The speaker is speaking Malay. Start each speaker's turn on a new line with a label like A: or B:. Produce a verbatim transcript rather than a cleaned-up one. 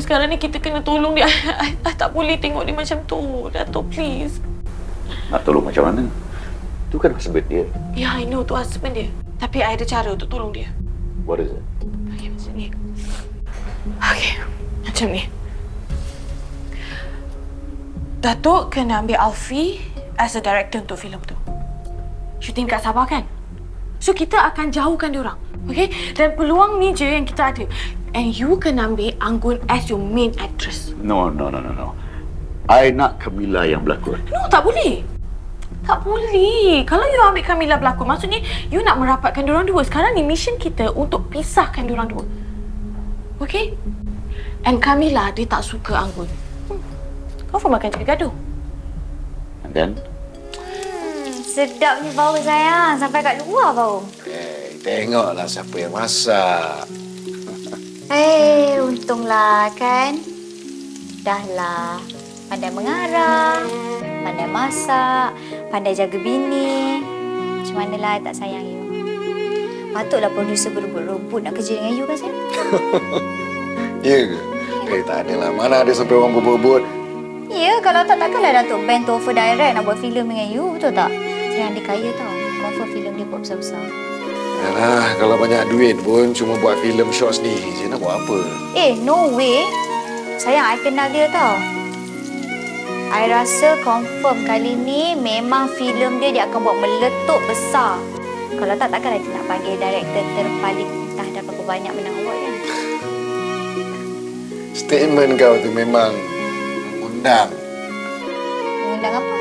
A: sekarang ni kita kena tolong dia. I, I, I tak boleh tengok dia macam tu. Datuk, please.
B: Nak tolong macam mana? Tu kan husband dia.
A: Ya, yeah, I know tu husband dia. Tapi I ada cara untuk tolong dia.
B: What is it?
A: Okay, macam ni. Okay, macam ni. Datuk kena ambil Alfie as a director untuk filem tu. Shooting dekat Sabah kan? So, kita akan jauhkan dia orang. Okay? Dan peluang ni je yang kita ada. And you kena ambil Anggun as your main actress.
B: No, no, no, no, no. I nak Camilla yang berlakon.
A: No, tak boleh. Tak boleh. Kalau you ambil Camilla berlakon, maksudnya you nak merapatkan diorang dua. Sekarang ni mission kita untuk pisahkan diorang dua. Okay? And Camilla, dia tak suka Anggun. Hmm. Kau pun makan cakap gaduh.
B: And then?
C: Hmm, sedap ni bau sayang. Sampai kat luar bau.
D: Eh, tengoklah siapa yang masak.
C: Eh, untunglah kan. Dahlah. Pandai mengarah, pandai masak, pandai jaga bini. Macam manalah I tak sayang you. Patutlah producer berebut-rebut nak kerja dengan you kan, sayang?
D: Ya ke? Eh, tak adalah. Mana ada sampai orang berebut-rebut.
C: Ya, kalau tak takkanlah Datuk Ben tu offer direct nak buat filem dengan you, betul tak? Sayang dia kaya tau. Confirm filem dia buat besar-besar.
D: Yalah, kalau banyak duit pun cuma buat filem short sendiri je. Nak buat apa?
C: Eh, no way. Sayang, I kenal dia tau. I rasa confirm kali ni memang filem dia dia akan buat meletup besar. Kalau tak, takkanlah dia nak panggil director terpaling entah dah berapa banyak menang award kan?
D: Statement kau tu memang mengundang.
C: Mengundang apa?